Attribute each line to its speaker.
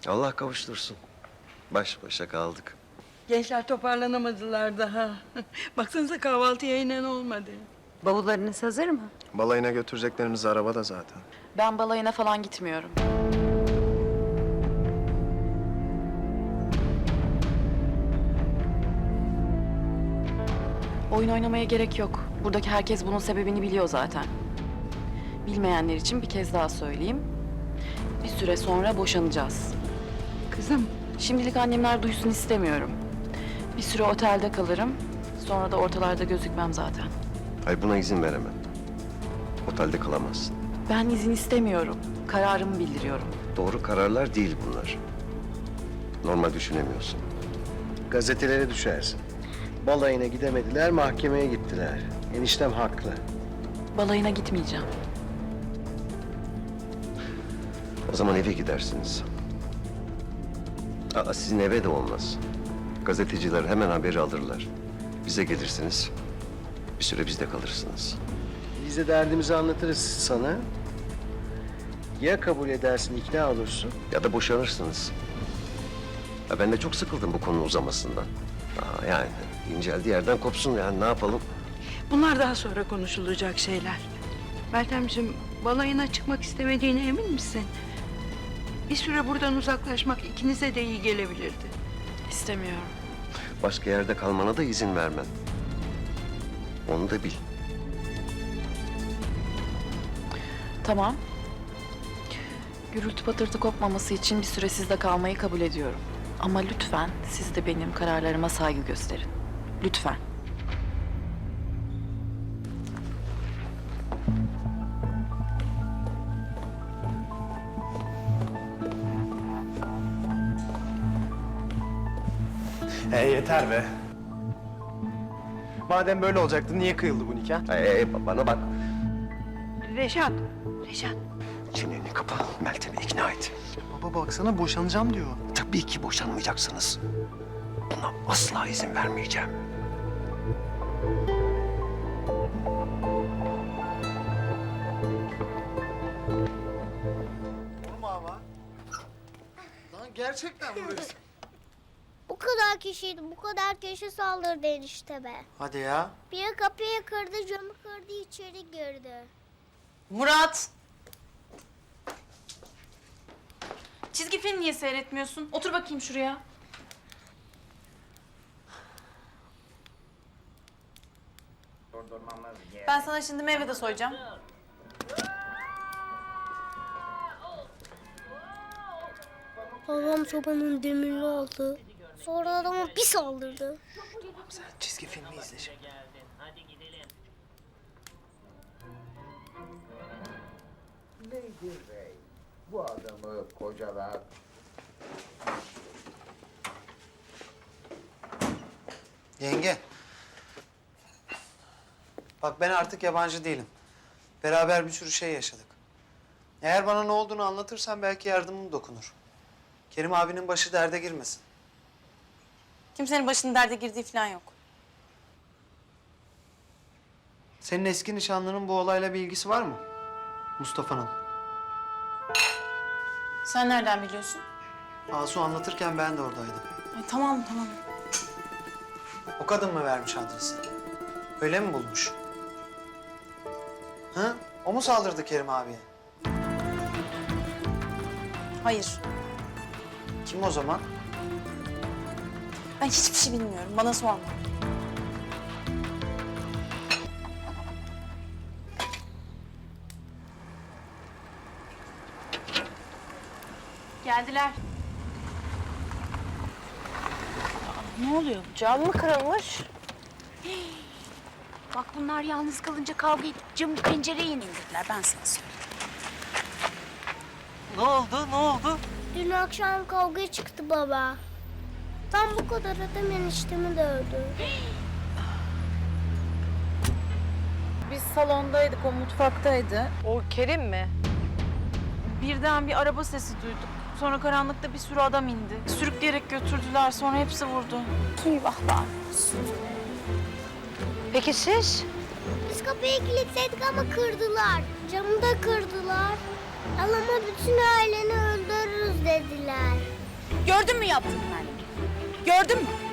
Speaker 1: Allah kavuştursun. Baş başa kaldık.
Speaker 2: Gençler toparlanamadılar daha. Baksanıza kahvaltıya inen olmadı.
Speaker 3: Bavullarınız hazır mı?
Speaker 4: Balayına götüreceklerimiz arabada zaten.
Speaker 3: Ben balayına falan gitmiyorum. Oyun oynamaya gerek yok. Buradaki herkes bunun sebebini biliyor zaten. Bilmeyenler için bir kez daha söyleyeyim. Bir süre sonra boşanacağız.
Speaker 2: Kızım,
Speaker 3: Şimdilik annemler duysun istemiyorum. Bir süre otelde kalırım. Sonra da ortalarda gözükmem zaten.
Speaker 1: Hayır, buna izin veremem. Otelde kalamazsın.
Speaker 3: Ben izin istemiyorum. Kararımı bildiriyorum.
Speaker 1: Doğru kararlar değil bunlar. Normal düşünemiyorsun.
Speaker 4: Gazetelere düşersin. Balayına gidemediler, mahkemeye gittiler. Eniştem haklı.
Speaker 3: Balayına gitmeyeceğim.
Speaker 1: O zaman eve gidersiniz. Aa, sizin eve de olmaz. Gazeteciler hemen haberi alırlar. Bize gelirsiniz. Bir süre bizde kalırsınız.
Speaker 4: Biz de derdimizi anlatırız sana. Ya kabul edersin, ikna olursun.
Speaker 1: Ya da boşanırsınız. Ya ben de çok sıkıldım bu konunun uzamasından. Yani inceldiği yerden kopsun, yani ne yapalım?
Speaker 2: bunlar daha sonra konuşulacak şeyler. Meltemciğim, balayına çıkmak istemediğine emin misin? Bir süre buradan uzaklaşmak ikinize de iyi gelebilirdi.
Speaker 3: İstemiyorum.
Speaker 1: Başka yerde kalmana da izin vermem. Onu da bil.
Speaker 3: Tamam. Gürültü patırtı kopmaması için bir süre sizde kalmayı kabul ediyorum. Ama lütfen siz de benim kararlarıma saygı gösterin. Lütfen.
Speaker 5: Yeter be. Madem böyle olacaktı niye kıyıldı bu nikah?
Speaker 1: Bana bak.
Speaker 2: Reşat.
Speaker 1: Çeneni kapa, Meltem'i ikna et.
Speaker 5: Baba baksana boşanacağım diyor.
Speaker 1: Tabii ki boşanmayacaksınız. Buna asla izin vermeyeceğim.
Speaker 5: Lan gerçekten burası.
Speaker 6: Bu kadar kişiydi, bu kadar kişi saldırdı enişteme.
Speaker 5: Hadi ya.
Speaker 6: Biri kapıyı kırdı, camı kırdı, içeri girdi.
Speaker 7: Murat! Çizgi film niye seyretmiyorsun? Otur bakayım şuraya. Ben sana şimdi meyve de soyacağım.
Speaker 6: Babam sobanın demirli aldı. Sonra adama bir saldırdı.
Speaker 5: Sen çizgi filmi izle şimdi.
Speaker 8: Beygir Bey, bu adamı kocalar.
Speaker 5: Yenge. Bak ben artık yabancı değilim. Beraber bir sürü şey yaşadık. Eğer bana ne olduğunu anlatırsan belki yardımım dokunur. Kerim abinin başı derde girmesin.
Speaker 7: Kimsenin başının derde girdiği falan yok.
Speaker 5: Senin eski nişanlının bu olayla bir ilgisi var mı? Mustafa'nın.
Speaker 7: Sen nereden biliyorsun?
Speaker 5: Asu anlatırken ben de oradaydım.
Speaker 7: Ay, tamam.
Speaker 5: O kadın mı vermiş adresi? Öyle mi bulmuş? Hı? O mu saldırdı Kerim abiye?
Speaker 7: Hayır.
Speaker 5: Kim o zaman?
Speaker 7: Ben hiçbir şey bilmiyorum. Bana sorma. Geldiler.
Speaker 3: Ne oluyor?
Speaker 6: Cam mı kırılmış?
Speaker 9: Bak bunlar yalnız kalınca kavga edip camı pencereyi indirdiler, ben sana söyleyeyim.
Speaker 5: Ne oldu?
Speaker 6: Dün akşam kavga çıktı baba. Tam bu kadar adam eniştemi dövdü.
Speaker 3: Biz salondaydık, o mutfaktaydı.
Speaker 7: O Kerim mi? Birden bir araba sesi duyduk. Sonra karanlıkta bir sürü adam indi. Sürükleyerek götürdüler. Sonra hepsi vurdu.
Speaker 9: Eyvahlar olsun. Peki siz?
Speaker 6: Biz kapıyı kilitleydik ama kırdılar. Camı da kırdılar. Alama bütün aileni öldürürüz dediler.
Speaker 9: Gördün mü yaptığını anne? Gördün mü?